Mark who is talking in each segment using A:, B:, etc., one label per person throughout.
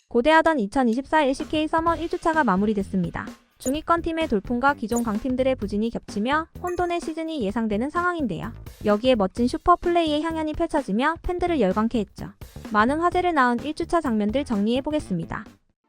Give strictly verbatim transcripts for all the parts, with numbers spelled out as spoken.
A: 고대하던 이천이십사 엘씨케이 서머 일 주차가 마무리됐습니다. 중위권 팀의 돌풍과 기존 강팀들의 부진이 겹치며 혼돈의 시즌이 예상되는 상황인데요. 여기에 멋진 슈퍼 플레이의 향연이 펼쳐지며 팬들을 열광케 했죠. 많은 화제를 낳은 일 주차 장면들 정리해보겠습니다.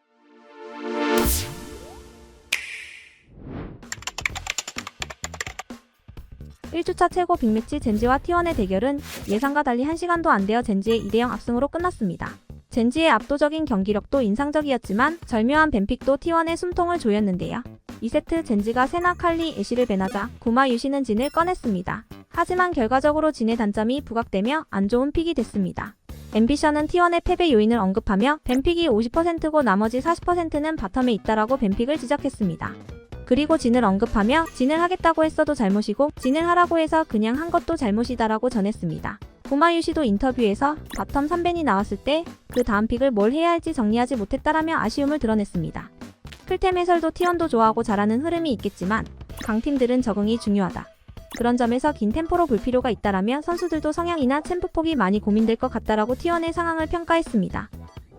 A: 일 주차 최고 빅매치 젠지와 티원의 대결은 예상과 달리 한 시간도 안 되어 젠지의 이 대 영 압승으로 끝났습니다. 젠지의 압도적인 경기력도 인상적이었지만 절묘한 뱀픽도 티원의 숨통을 조였는데요. 이 세트 젠지가 세나, 칼리, 애쉬를 배나자 구마 유시는 진을 꺼냈습니다. 하지만 결과적으로 진의 단점이 부각되며 안 좋은 픽이 됐습니다. 앰비션은 티원의 패배 요인을 언급하며 뱀픽이 오십 퍼센트고 나머지 사십 퍼센트는 바텀에 있다라고 뱀픽을 지적했습니다. 그리고 진을 언급하며 진을 하겠다고 했어도 잘못이고 진을 하라고 해서 그냥 한 것도 잘못이다라고 전했습니다. 구마유시도 인터뷰에서 바텀 삼 벤이 나왔을 때 그 다음 픽을 뭘 해야 할지 정리하지 못했다라며 아쉬움을 드러냈습니다. 클템 해설도 티원도 좋아하고 잘하는 흐름이 있겠지만 강팀들은 적응이 중요하다. 그런 점에서 긴 템포로 볼 필요가 있다라며 선수들도 성향이나 챔프폭이 많이 고민될 것 같다라고 티원의 상황을 평가했습니다.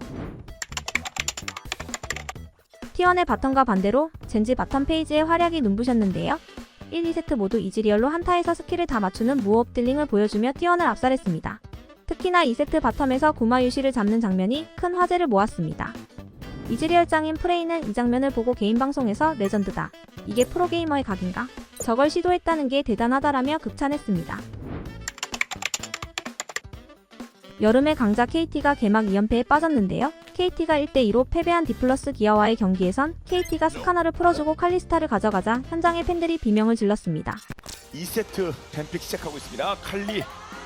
A: 티원의 바텀과 반대로 젠지 바텀 페이지의 활약이 눈부셨는데요. 일, 이 세트 모두 이즈리얼로 한타에서 스킬을 다 맞추는 무호흡 딜링을 보여주며 티원을 압살했습니다. 특히나 이 세트 바텀에서 구마유시를 잡는 장면이 큰 화제를 모았습니다. 이즈리얼 짱인 프레이는 이 장면을 보고 개인 방송에서 레전드다. 이게 프로게이머의 각인가? 저걸 시도했다는 게 대단하다라며 극찬했습니다. 여름의 강자 케이티가 개막 이 연패에 빠졌는데요. 케이티가 일 대 이로 패배한 디플러스 기아와의 경기에선 케이티가 스카너를 풀어주고 칼리스타를 가져가자 현장의 팬들이 비명을 질렀습니다.
B: 이 세트 뱀픽 시작하고 있습니다. 칼리.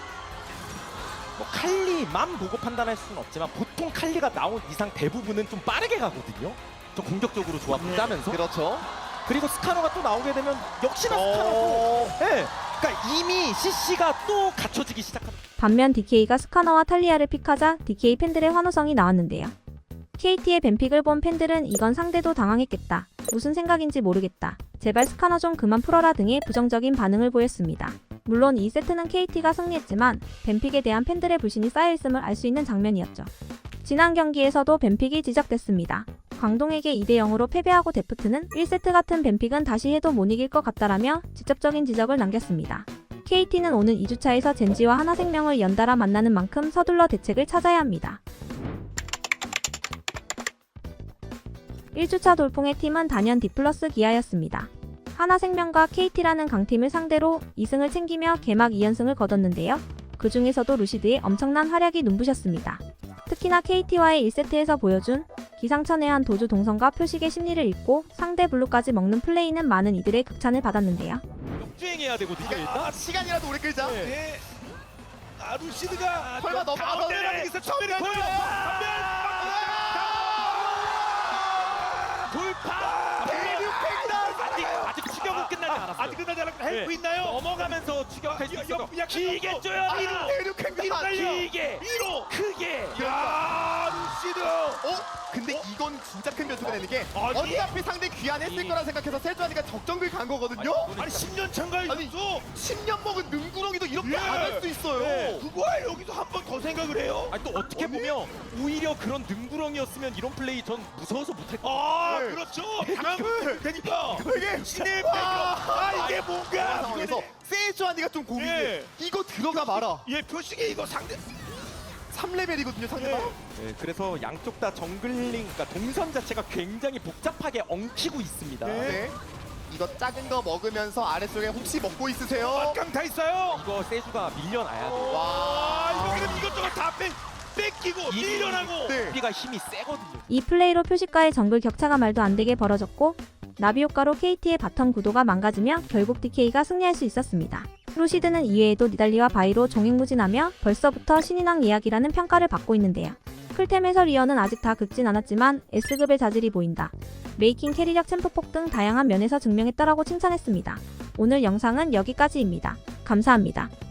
B: 뭐 칼리만 보고 판단할 수는 없지만 보통 칼리가 나온 이상 대부분은 좀 빠르게 가거든요. 좀 공격적으로 조합을
C: 네.
B: 짜면서.
C: 그렇죠.
B: 그리고 스카너가 또 나오게 되면 역시나
C: 어.
B: 스카너고. 네. 그러니까 이미 씨씨가 또 갖춰지기 시작합니다.
A: 반면 디케이가 스카너와 탈리아를 픽하자 디케이 팬들의 환호성이 나왔는데요. 케이티의 뱀픽을 본 팬들은 이건 상대도 당황했겠다. 무슨 생각인지 모르겠다. 제발 스카너 좀 그만 풀어라 등의 부정적인 반응을 보였습니다. 물론 이 세트는 케이티가 승리했지만 뱀픽에 대한 팬들의 불신이 쌓여있음을 알 수 있는 장면이었죠. 지난 경기에서도 뱀픽이 지적됐습니다. 광동에게 이 대 영으로 패배하고 데프트는 일 세트 같은 뱀픽은 다시 해도 못 이길 것 같다라며 직접적인 지적을 남겼습니다. 케이티는 오는 이 주차에서 젠지와 하나생명을 연달아 만나는 만큼 서둘러 대책을 찾아야 합니다. 일 주차 돌풍의 팀은 단연 디플러스 기아였습니다. 하나생명과 케이티라는 강팀을 상대로 이 승을 챙기며 개막 이 연승을 거뒀는데요. 그 중에서도 루시드의 엄청난 활약이 눈부셨습니다. 특히나 케이티와의 일 세트에서 보여준 기상천외한 도주 동선과 표식의 심리를 읽고 상대 블루까지 먹는 플레이는 많은 이들의 극찬을 받았는데요.
B: 역주행해야 되거든요.
C: 아,
B: 일단.
C: 시간이라도 오래 끌자.
B: 네.
D: 네. 아 루시드가
C: 설마 너
D: 가운데라는 게 있어. 전멸 돌파.
B: 돌파.
D: 대륙팽이다.
B: 아직 아직 추격은 끝나지 않았어요.
D: 아직 끝나지 않았고 헬프
B: 네.
D: 있나요?
B: 넘어가면서 추격할 수
D: 야,
B: 있어.
D: 야, 야,
B: 길게
D: 야,
B: 쪼야
D: 아,
B: 위로.
C: 대륙
D: 위로 달려.
B: 길게.
D: 위로.
B: 크게.
D: 야 루시드.
C: 어? 근데 이건 진짜 큰 변수가 되는 게
D: 아니.
C: 어차피 상대 귀환했을 거라 생각해서 세주환이가 적정글 간 거거든요?
D: 아니 십 년 참가해
C: 아니,
D: 줬어.
C: 십 년 먹은 능구렁이도 이렇게
D: 예.
C: 안 할 수 있어요.
D: 네. 그걸 여기서 한 번 더 생각을 해요.
B: 아니 또 어떻게
D: 아니.
B: 보면 오히려 그런 능구렁이었으면 이런 플레이 전 무서워서 못할 것
D: 아
C: 네.
D: 그렇죠. 당황을 되니까.
C: 이게
D: 신의
C: 와.
D: 아 이게
C: 그런
D: 뭔가.
C: 상황에서 세주환이가 좀 고민해.
D: 예.
C: 이거 들어가 마라.
D: 얘 표식이 이거 상대.
C: 삼 레벨이거든요 상대방.
D: 예.
B: 네, 그래서 양쪽 다 정글링, 그러니까 동선 자체가 굉장히 복잡하게 엉키고 있습니다.
D: 네.
C: 네. 이거 작은 거 먹으면서 아래쪽에 혹시 먹고 있으세요?
D: 막강 다 있어요.
B: 이거 세주가 밀려나야 돼요.
C: 와.
D: 아 이거 그럼 이것저것 다 뺏, 뺏기고 밀려나고.
C: 네.
B: 우리가 힘이 세거든요.
A: 이 플레이로 표식과의 정글 격차가 말도 안 되게 벌어졌고 나비 효과로 케이티의 바텀 구도가 망가지며 결국 디케이가 승리할 수 있었습니다. 루시드는 이외에도 니달리와 바이로 종횡무진하며 벌써부터 신인왕 예약이라는 평가를 받고 있는데요. 클템 해설위원은 아직 다 긁진 않았지만 S급의 자질이 보인다. 메이킹 캐리력 챔프폭 등 다양한 면에서 증명했다라고 칭찬했습니다. 오늘 영상은 여기까지입니다. 감사합니다.